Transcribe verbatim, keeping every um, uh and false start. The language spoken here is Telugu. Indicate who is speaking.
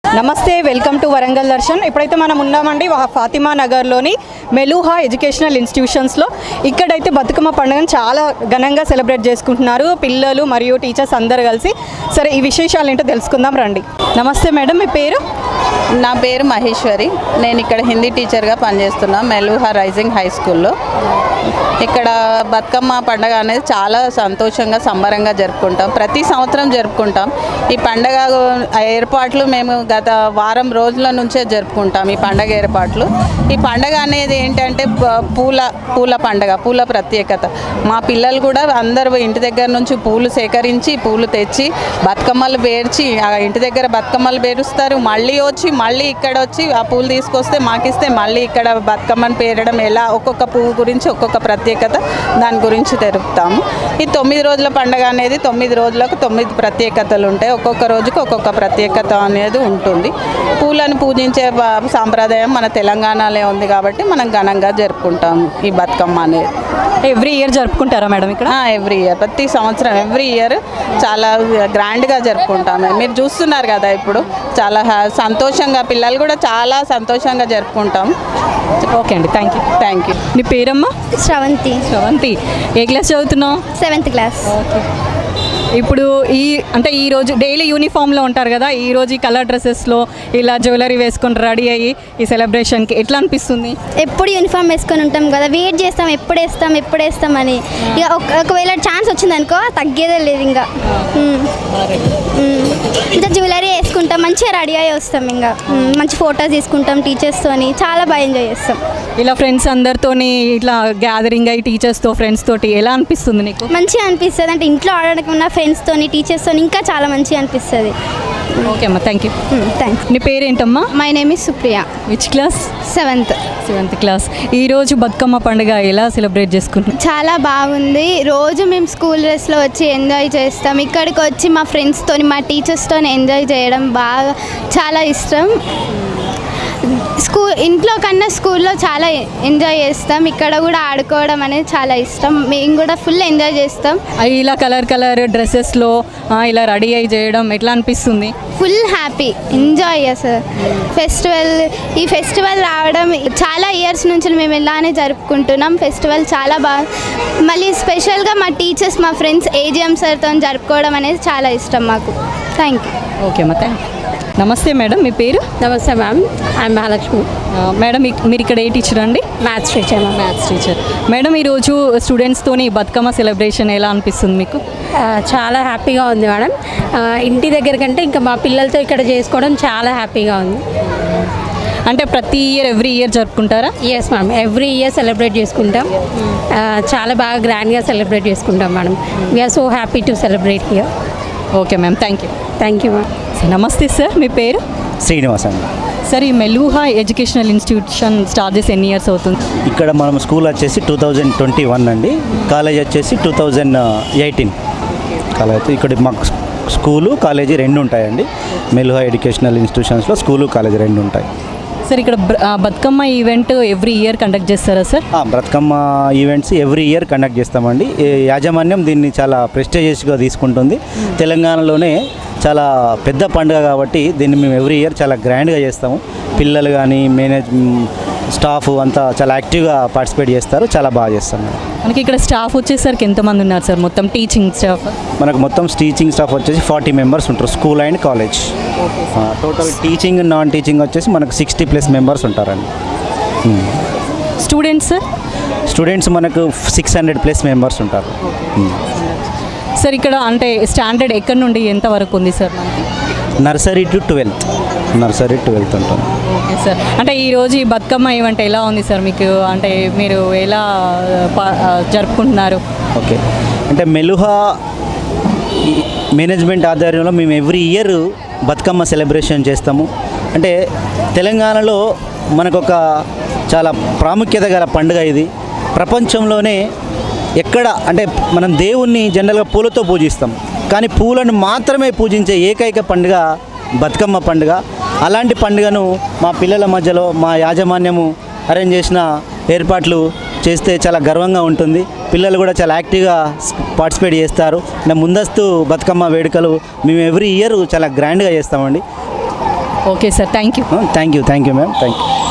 Speaker 1: నమస్తే, వెల్కమ్ టు వరంగల్ దర్శన్. ఇప్పుడైతే మనం ఉన్నామండి ఫాతిమా నగర్లోని మెలూహా ఎడ్యుకేషనల్ ఇన్స్టిట్యూషన్స్లో. ఇక్కడైతే బతుకమ్మ పండుగను చాలా ఘనంగా సెలబ్రేట్ చేసుకుంటున్నారు పిల్లలు మరియు టీచర్స్ అందరు కలిసి. సరే, ఈ విశేషాలు ఏంటో తెలుసుకుందాం రండి. నమస్తే మేడం, మీ పేరు?
Speaker 2: నా పేరు మహేశ్వరి. నేను ఇక్కడ హిందీ టీచర్గా పనిచేస్తున్నా మెలూహా రైజింగ్ హై స్కూల్లో. ఇక్కడ బతుకమ్మ పండుగ అనేది చాలా సంతోషంగా సంబరంగా జరుపుకుంటాం. ప్రతి సంవత్సరం జరుపుకుంటాం. ఈ పండగ ఏర్పాట్లు మేము గత వారం రోజుల నుంచే జరుపుకుంటాం. ఈ పండగ ఏర్పాట్లు ఈ పండగ అనేది ఏంటంటే పూల పూల పండగ, పూల ప్రత్యేకత. మా పిల్లలు కూడా అందరూ ఇంటి దగ్గర నుంచి పూలు సేకరించి పూలు తెచ్చి బతుకమ్మలు పేర్చి ఆ ఇంటి దగ్గర బతుకమ్మలు పేరుస్తారు. మళ్ళీ వచ్చి మళ్ళీ ఇక్కడ వచ్చి ఆ పూలు తీసుకొస్తే మాకిస్తే మళ్ళీ ఇక్కడ బతుకమ్మను పేరడం, ఎలా ఒక్కొక్క పువ్వు గురించి ఒక్కొక్క ప్రత్యేకత, దాని గురించి తెలుపుతాము. ఈ తొమ్మిది రోజుల పండుగ అనేది తొమ్మిది రోజులకు తొమ్మిది ప్రత్యేకతలు ఉంటాయి. ఒక్కొక్క రోజుకు ఒక్కొక్క ప్రత్యేకత అనేది ఉంటుంది. పూలను పూజించే సాంప్రదాయం మన తెలంగాణలో ఉంది కాబట్టి మనం ఘనంగా జరుపుకుంటాము ఈ బతుకమ్మ అనేది.
Speaker 1: ఎవ్రీ ఇయర్ జరుపుకుంటారా మేడం ఇక్కడ?
Speaker 2: ఎవ్రీ ఇయర్, ప్రతి సంవత్సరం ఎవ్రీ ఇయర్ చాలా గ్రాండ్గా జరుపుకుంటాము. మీరు చూస్తున్నారు కదా, ఇప్పుడు చాలా సంతోషంగా పిల్లలు కూడా చాలా సంతోషంగా జరుపుకుంటాము.
Speaker 1: ఓకే అండి, థ్యాంక్ యూ.
Speaker 2: Thank you.
Speaker 1: నీ పేరమ్మా?
Speaker 3: శ్రవంతి.
Speaker 1: శ్రవంతి, ఏ క్లాస్ చదువుతున్నావు?
Speaker 3: Seventh class.
Speaker 1: ఓకే. ఇప్పుడు ఈ అంటే ఈరోజు డైలీ యూనిఫామ్లో ఉంటారు కదా, ఈరోజు ఈ కలర్ డ్రెస్సెస్లో ఇలా జ్యువెలరీ వేసుకొని రెడీ అయ్యి ఈ సెలబ్రేషన్కి ఎట్లా అనిపిస్తుంది?
Speaker 3: ఎప్పుడు యూనిఫామ్ వేసుకొని ఉంటాం కదా, వెయిట్ చేస్తాం ఎప్పుడు వేస్తాం ఎప్పుడు వేస్తామని. ఇక ఒకవేళ ఛాన్స్ వచ్చిందనుకో తగ్గేదే లేదు. ఇంకా ఇంకా జ్యువెలరీ వేసుకుంటాం, మంచిగా రెడీ అయ్యి వస్తాం. ఇంకా మంచి ఫొటోస్ తీసుకుంటాం టీచర్స్తోని, చాలా బాగా ఎంజాయ్ చేస్తాం.
Speaker 1: ఇలా ఫ్రెండ్స్ అందరితోని ఇట్లా గ్యాదరింగ్ అయ్యి టీచర్స్తో ఫ్రెండ్స్ తోటి ఎలా అనిపిస్తుంది నీకు?
Speaker 3: మంచిగా అనిపిస్తుంది. అంటే ఇంట్లో ఆడడానికి ఉన్న ఫ్రెండ్స్తోని టీచర్స్తోని ఇంకా చాలా మంచిగా అనిపిస్తుంది.
Speaker 1: ఓకే అమ్మా, థ్యాంక్ యూ.
Speaker 3: థ్యాంక్స్.
Speaker 1: నీ పేరేంటమ్మా?
Speaker 3: My name is Supriya.
Speaker 1: Which class?
Speaker 3: Seventh.
Speaker 1: Seventh class. ఈరోజు బతుకమ్మ పండుగ ఎలా సెలబ్రేట్ చేసుకుంటున్నాం?
Speaker 3: చాలా బాగుంది. రోజు మేము స్కూల్ డ్రెస్లో వచ్చి ఎంజాయ్ చేస్తాం. ఇక్కడికి వచ్చి మా ఫ్రెండ్స్తో మా టీచర్స్తో ఎంజాయ్ చేయడం బాగా చాలా ఇష్టం. స్కూల్ ఇంట్లో కన్నా స్కూల్లో చాలా ఎంజాయ్ చేస్తాం. ఇక్కడ కూడా ఆడుకోవడం అనేది చాలా ఇష్టం. మేము కూడా ఫుల్ ఎంజాయ్ చేస్తాం.
Speaker 1: ఇలా కలర్ కలర్ డ్రెస్సెస్లో ఇలా రెడీ అయ్యి చేయడం ఎట్లా అనిపిస్తుంది?
Speaker 3: ఫుల్ హ్యాపీ, ఎంజాయ్ అసలు ఫెస్టివల్. ఈ ఫెస్టివల్ రావడం చాలా ఇయర్స్ నుంచి మేము ఇలానే జరుపుకుంటున్నాం. ఫెస్టివల్ చాలా బాగా, మళ్ళీ స్పెషల్గా మా టీచర్స్ మా ఫ్రెండ్స్ ఏజిఎం సార్తో జరుపుకోవడం అనేది చాలా ఇష్టం మాకు. Thank you.
Speaker 1: ఓకే అమ్మా, థ్యాంక్ యూ. నమస్తే మేడం, మీ పేరు?
Speaker 4: నమస్తే మ్యామ్, ఐఎమ్ మహాలక్ష్మి.
Speaker 1: మేడం, మీరు ఇక్కడ ఏ టీచర్ అండి?
Speaker 4: Maths teacher.
Speaker 1: Maths teacher. Madam, ఈరోజు స్టూడెంట్స్తోని బతుకమ్మ సెలబ్రేషన్ ఎలా అనిపిస్తుంది మీకు?
Speaker 4: చాలా హ్యాపీగా ఉంది మేడం. ఇంటి దగ్గర కంటే ఇంకా మా పిల్లలతో ఇక్కడ చేసుకోవడం చాలా హ్యాపీగా ఉంది.
Speaker 1: అంటే ప్రతి ఇయర్ ఎవ్రీ ఇయర్ జరుపుకుంటారా?
Speaker 4: Yes ma'am, every year celebrate చేసుకుంటాం. చాలా బాగా గ్రాండ్గా సెలబ్రేట్ చేసుకుంటాం madam. We're so happy to celebrate here.
Speaker 1: Okay ma'am, thank you.
Speaker 4: Thank you ma'am.
Speaker 1: నమస్తే సార్, మీ పేరు?
Speaker 5: శ్రీనివాస్ అండి.
Speaker 1: సార్, ఈ మెలూహా ఎడ్యుకేషనల్ ఇన్స్టిట్యూషన్ స్టార్ట్ చేసి ఎన్ని ఇయర్స్ అవుతుంది?
Speaker 5: ఇక్కడ మనం స్కూల్ వచ్చేసి టూ థౌజండ్ ట్వంటీ వన్ అండి. కాలేజ్ వచ్చేసి టూ థౌజండ్ ఎయిటీన్ కాలేజ్. ఇక్కడ మాకు స్కూలు కాలేజీ రెండు ఉంటాయండి. మెలూహా ఎడ్యుకేషనల్ ఇన్స్టిట్యూషన్స్లో స్కూలు కాలేజీ రెండు ఉంటాయి.
Speaker 1: సార్, ఇక్కడ Bathukamma event every year conduct చేస్తారా sir?
Speaker 5: Bathukamma events every year conduct చేస్తామండి. యాజమాన్యం దీన్ని చాలా ప్రెస్టీజియస్గా తీసుకుంటుంది. తెలంగాణలోనే చాలా పెద్ద పండుగ కాబట్టి దీన్ని మేము ఎవ్రీ ఇయర్ చాలా గ్రాండ్గా చేస్తాము. పిల్లలు కానీ మేనేజ్ స్టాఫ్ అంతా చాలా యాక్టివ్గా పార్టిసిపేట్ చేస్తారు. చాలా బాగా చేస్తాం.
Speaker 1: మనకి ఇక్కడ స్టాఫ్ వచ్చేసరికి ఎంతమంది ఉన్నారు సార్? మొత్తం టీచింగ్ స్టాఫ్
Speaker 5: మనకు మొత్తం టీచింగ్ స్టాఫ్ వచ్చేసి ఫార్టీ మెంబర్స్ ఉంటారు, school and college. Total teaching non teaching వచ్చేసి మనకు సిక్స్టీ ప్లస్ మెంబర్స్ ఉంటారండి.
Speaker 1: స్టూడెంట్స్?
Speaker 5: స్టూడెంట్స్ మనకు సిక్స్ హండ్రెడ్ ప్లస్ మెంబర్స్ ఉంటారు.
Speaker 1: సార్, ఇక్కడ అంటే స్టాండర్డ్ ఎక్కడి నుండి ఎంత వరకు ఉంది sir?
Speaker 5: Nursery to twelfth nursery twelfth ఉంటుంది.
Speaker 1: Okay sir. అంటే ఈరోజు ఈ బతుకమ్మ ఈవెంట్ ఎలా ఉంది సార్ మీకు? అంటే మీరు ఎలా జరుపుకుంటున్నారు?
Speaker 5: ఓకే, అంటే మెలూహా మేనేజ్మెంట్ ఆధ్వర్యంలో మేము ఎవ్రీ ఇయర్ బతుకమ్మ సెలబ్రేషన్ చేస్తాము. అంటే తెలంగాణలో మనకొక చాలా ప్రాముఖ్యత గల పండుగ ఇది. ప్రపంచంలోనే ఎక్కడ అంటే మనం దేవుణ్ణి జనరల్గా పూలతో పూజిస్తాం, కానీ పూలను మాత్రమే పూజించే ఏకైక పండుగ బతుకమ్మ పండుగ. అలాంటి పండుగను మా పిల్లల మధ్యలో మా యాజమాన్యము అరేంజ్ చేసిన ఏర్పాట్లు చేస్తే చాలా గర్వంగా ఉంటుంది. పిల్లలు కూడా చాలా యాక్టివ్గా పార్టిసిపేట్ చేస్తారు. ముందస్తు బతుకమ్మ వేడుకలు మేము ఎవ్రీ ఇయర్ చాలా గ్రాండ్గా చేస్తామండి.
Speaker 1: Okay sir, thank you.
Speaker 5: Thank you thank you ma'am thank you